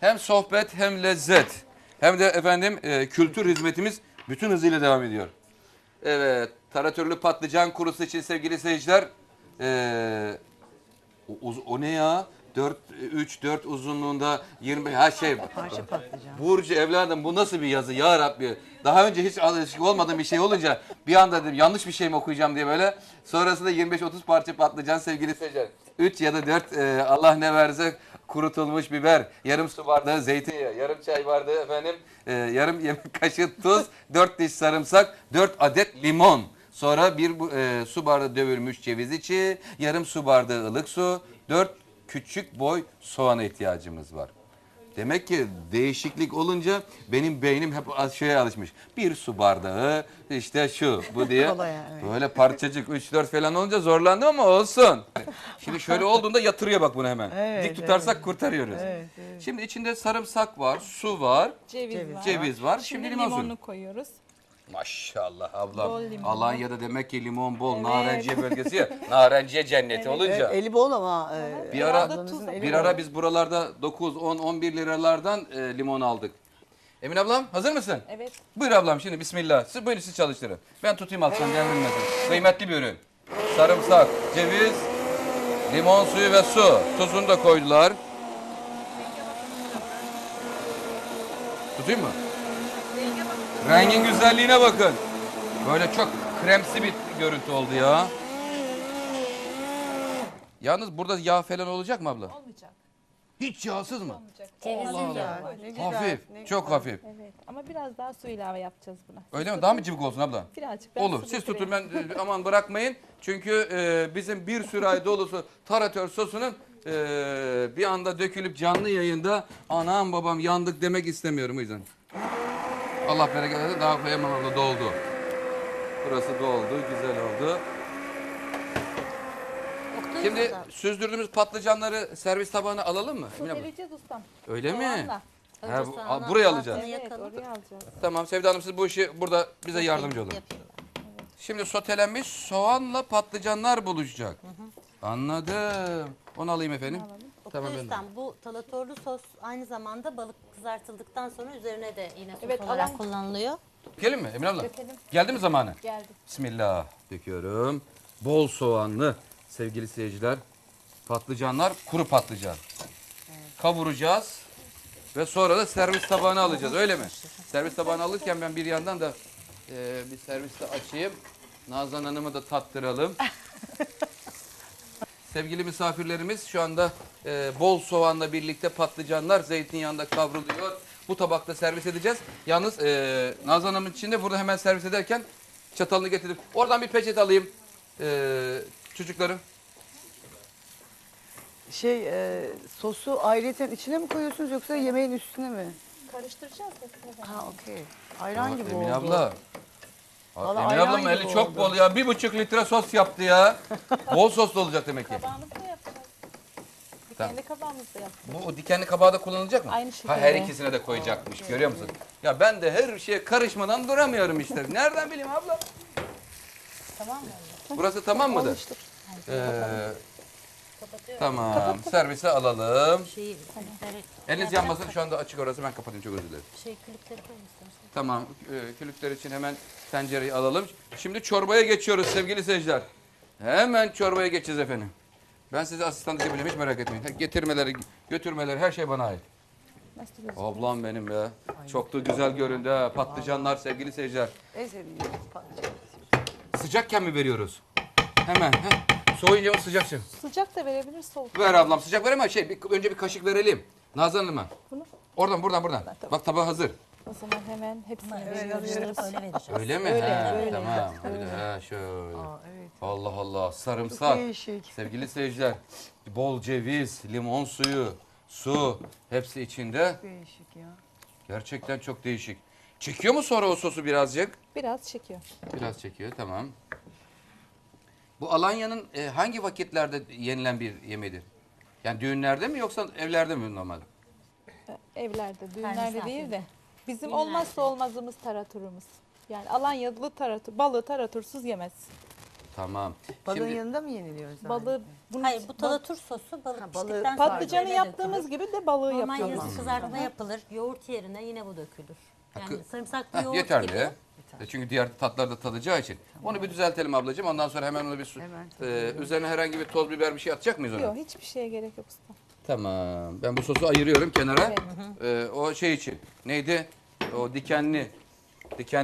Hem sohbet hem lezzet hem de efendim kültür hizmetimiz bütün hızıyla devam ediyor. Evet, taratörlü patlıcan kurusu için sevgili seyirciler. O ne ya? 3-4 uzunluğunda 25 her şey. Parça patlıcan. Burcu evladım bu nasıl bir yazı ya Rabbi? Daha önce hiç alışık olmadığım bir şey olunca bir anda dedim yanlış bir şey mi okuyacağım diye böyle. Sonrasında 25-30 parça patlıcan sevgili seyirciler. 3 ya da 4 Allah ne verse kurutulmuş biber, yarım su bardağı zeytinyağı, yarım çay bardağı efendim, yarım yemek kaşığı tuz, 4 diş sarımsak, 4 adet limon. Sonra bir su bardağı dövülmüş ceviz içi, yarım su bardağı ılık su, 4 küçük boy soğana ihtiyacımız var. Demek ki değişiklik olunca benim beynim hep şeye alışmış. Bir su bardağı işte şu bu diye. Kolay yani. Böyle parçacık 3-4 falan olunca zorlandım ama olsun. Şimdi şöyle olduğunda yatırıyor bak bunu hemen. Evet, Dik tutarsak kurtarıyoruz. Evet, evet. Şimdi içinde sarımsak var, su var, Ceviz var. ceviz var. Şimdi Şimdi limon suyu. limonunu koyuyoruz. Maşallah Bol ablam. limon. Alanya'da demek ki limon bol. Evet. Narenciye bölgesi ya. Narenciye cenneti olunca. Eli bol ama. Bir ara ablamızın eli bir bol. ara biz buralarda 9, 10, 11 liralardan limon aldık. Emin ablam hazır mısın? Evet. Buyur ablam şimdi bismillah. Siz buyurun siz çalıştırın. Ben tutayım alttan devrilmesin. Kıymetli bir ürün. Sarımsak, ceviz, limon suyu ve su. Tuzunu da koydular. Tutayım mı? Rengin güzelliğine bakın. Böyle çok kremsi bir görüntü oldu ya. Yalnız burada yağ falan olacak mı abla? Olmayacak. Hiç yağsız mı? Olmayacak. Allah Allah. Ya, ne güzel, Hafif, ne çok güzel. hafif. Evet. Ama biraz daha su ilave yapacağız buna. Öyle mi? Daha mı cıvık olsun abla? Birazcık. Ben Olur. su Siz getireyim. tutun ben aman bırakmayın. Çünkü bizim bir sürahi dolusu taratör sosunun bir anda dökülüp canlı yayında anam babam yandık demek istemiyorum o yüzden. Allah bereket versin. Daha koyamam abla doldu. Burası doldu. Güzel oldu. Şimdi süzdürdüğümüz patlıcanları servis tabağına alalım mı? Su Emine abla? vereceğiz ustam. Öyle mi? Soğanla. Ha, buraya alacağız. Evet oraya alacağız. Tamam Sevda Hanım siz bu işi burada bize yardımcı olun. Şimdi sotelenmiş soğanla patlıcanlar buluşacak. Anladım. Onu alayım efendim. Tamam ben de. Ustam, bu talatorlu sos aynı zamanda balık kızartıldıktan sonra üzerine de yine sos Evet, olarak alan- kullanılıyor. Dökelim mi Emine abla? Dökelim. Geldi mi zamanı? Geldi. Bismillah. Döküyorum. Bol soğanlı sevgili seyirciler. Patlıcanlar kuru patlıcan. Kavuracağız. Ve sonra da servis tabağına alacağız öyle mi? Servis tabağına alırken ben bir yandan da bir serviste açayım. Nazan Hanım'ı da tattıralım. Sevgili misafirlerimiz şu anda bol soğanla birlikte patlıcanlar zeytinyağında kavruluyor. Bu tabakta servis edeceğiz. Yalnız Nazan Hanım'ın için de burada hemen servis ederken çatalını getirdim. Oradan bir peçete alayım çocuklarım. Sosu ayrıyeten içine mi koyuyorsunuz yoksa yemeğin üstüne mi? Karıştıracağız hepsini. Ha okey. Ayran gibi Emine oldu. abla. Vallahi Emine ayran ablamın gibi eli çok oldu. bol ya. 1,5 litre sos yaptı ya. Bol soslu olacak demek ki. Kabağımızı da yapacağız. Tamam. Dikenli kabağımızı da yapacağız. Bu o dikenli kabağı da kullanılacak mı? Aynı Ha, şekilde. her ikisine de koyacakmış. Görüyor musun? Ya ben de her şeye karışmadan duramıyorum işte. Nereden bileyim abla? Tamam mı? Burası tamam mıdır? Alıştık. Tamam. Servise alalım. Külükleri, Eliniz yanmasın. Şu anda açık orası. Ben kapatayım. Çok özür dilerim. külükleri koyun istersen. Tamam. Külükler için hemen tencereyi alalım. Şimdi çorbaya geçiyoruz sevgili seyirciler. Hemen çorbaya geçeceğiz efendim. Ben size asistanlık yapacağım. Hiç merak etmeyin. Getirmeleri, götürmeleri her şey bana ait. Nasıl gözüküyor? Ablam benim be. Çok da güzel göründü ha. Patlıcanlar sevgili seyirciler. En sevdiğim patlıcan. Sıcakken mi veriyoruz? Hemen. Soğuyunca mı sıcak? Sıcak da verebilir soğuk. Ver ablam sıcak ver ama önce bir kaşık verelim. Nazan Hanım'a. Bunu? Buradan. Bak tabağı hazır. O zaman hemen hepsini veriyoruz. Karıştırıp öyle vereceğiz. Öyle mi? Öyle, Ha, öyle. tamam. Öyle. Ha, şöyle. Evet. Allah Allah. Çok Sarımsak. değişik. Sevgili seyirciler. Bol ceviz, limon suyu, su. Hepsi içinde. Değişik ya. Gerçekten çok değişik. Çekiyor mu sonra o sosu birazcık? Biraz çekiyor. Biraz çekiyor. Tamam. Bu Alanya'nın hangi vakitlerde yenilen bir yemeğidir? Yani düğünlerde mi yoksa evlerde mi normal? Evlerde, düğünlerde misafir. değil de. Bizim Düğünlerde. olmazsa olmazımız taratorumuz. Yani Alanyalı tarator, balığı taratorsuz yemez. Tamam. Balığın Şimdi yanında mı yeniliyor zaten? balığı bunun Hayır bu talatur sosu balık Ha, piştikten balığı- sonra patlıcanı üzerine yaptığımız dökülür. gibi de balığı Normal yapıyoruz. yazı kızartma yapılır. Yoğurt yerine yine bu dökülür. Yani Hakkı- sarımsaklı Heh, yoğurt yeterli. gibi. Çünkü diğer tatlar da tadacağı için. Onu bir düzeltelim ablacığım. Ondan sonra hemen onu bir Hemen üzerine herhangi bir toz biber bir şey atacak mıyız ona? Yok hiçbir şeye gerek yok usta. Tamam. Ben bu sosu ayırıyorum kenara. Evet. O şey için. Neydi? O dikenli